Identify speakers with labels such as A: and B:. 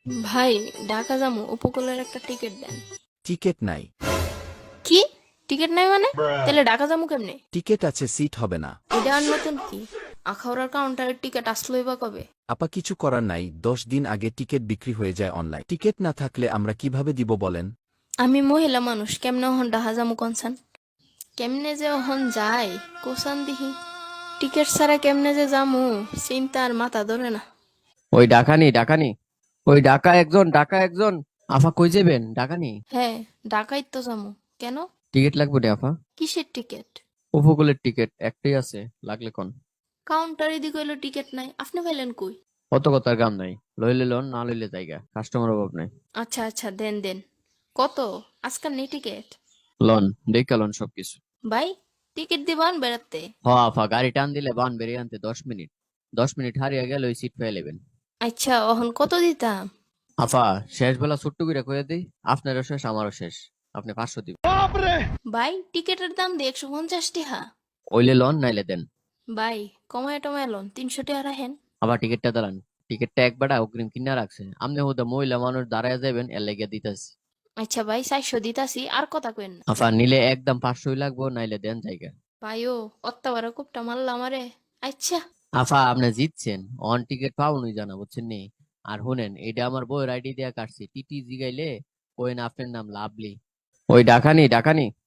A: ভাই, ঢাকা যামু, উপকূলের একটা টিকিট দেন।
B: টিকেট নাই।
A: কি? টিকিট নাই মানে? তাহলে ঢাকা যামু কেমনে?
B: টিকেট আছে, সিট হবে না।
A: এটা আর নতুন কি? আখাউড়ার কাউন্টারের টিকিট আসলোই বা কবে?
B: আপা কিছু করার নাই, 10 দিন আগে টিকেট বিক্রি হয়ে যায় অনলাইন। টিকেট না থাকলে আমরা কিভাবে দিব বলেন?
A: আমি মহিলা মানুষ, কেমনে ওহন ঢাকা যামু কনসান? কেমনে যে ওহন যায় কোসান দিহি? টিকিট ছাড়া কেমনে যে যামু, চিন্তা আর মাথা ধরে না।
C: ওই ডাকানি ডাকা একজন। আফা কই যাবেন ডাকানি?
A: হ্যাঁ, ঢাকাই তো যামু। কেন?
C: টিকিট লাগবে রে আফা।
A: কিসের টিকিট?
C: উপকূলের টিকিট একটাই আছে, লাগলে কোন?
A: কাউন্টারে দি কইলো টিকিট নাই, আপনি পাইলেন কই?
C: কত কথার গাম নাই, লইলে লোন না লইলে জায়গা, কাস্টমার অভাব নাই।
A: আচ্ছা আচ্ছা, দেন দেন। কত? আজকাল নেই টিকিট?
C: লোন দেখা লোন সবকিছু।
A: ভাই, টিকিট দিবান বেড়াতে?
C: হ আফা, গাড়ি টান দিলে বান বেরিয়ে আনতে 10 মিনিট। 10 মিনিট হারিয়ে গেলে ওই সিট পেয়ে নেবেন।
A: আচ্ছা, অহন কত দিতাম?
C: আফা, শেষ বেলা ছোট্ট করে কয়ে দিই, আপনারও শেষ আমারও শেষ, আপনি 500 দিবেন।
A: ভাই, টিকিটের দাম দিয়ে 150 টাকা।
C: ওইলে লোন নাইলে দেন।
A: ভাই, কমায় টমায় লন, 300 টাকা রাখেন।
C: আবার টিকিটটা দাঁড়ান। টিকিটটা একবারে অগ্রিম কিনা রাখছে, আপনি হুদা মহিলা মানুষ দাঁড়ায় যাবেন এর লেগে দিতেছি।
A: আচ্ছা ভাই, 400 দিতাছি, আর কথা কইন না।
C: আফা নিলে একদম 500 লাগবো, নাইলে দেন জায়গা।
A: ভাই ও, অত্যাবার কুপটা মারলা আমারে। আচ্ছা।
C: আফা আপনি জিতছেন, অন টিকিট পাওনি জানা বুঝছেন নি। আর শুনেন, এটা আমার বইয়ের আইডি দিয়া কাটছি, টিটি জিগাইলে কোয়েন আপনার নাম লাভলি। ওই ডাকানি।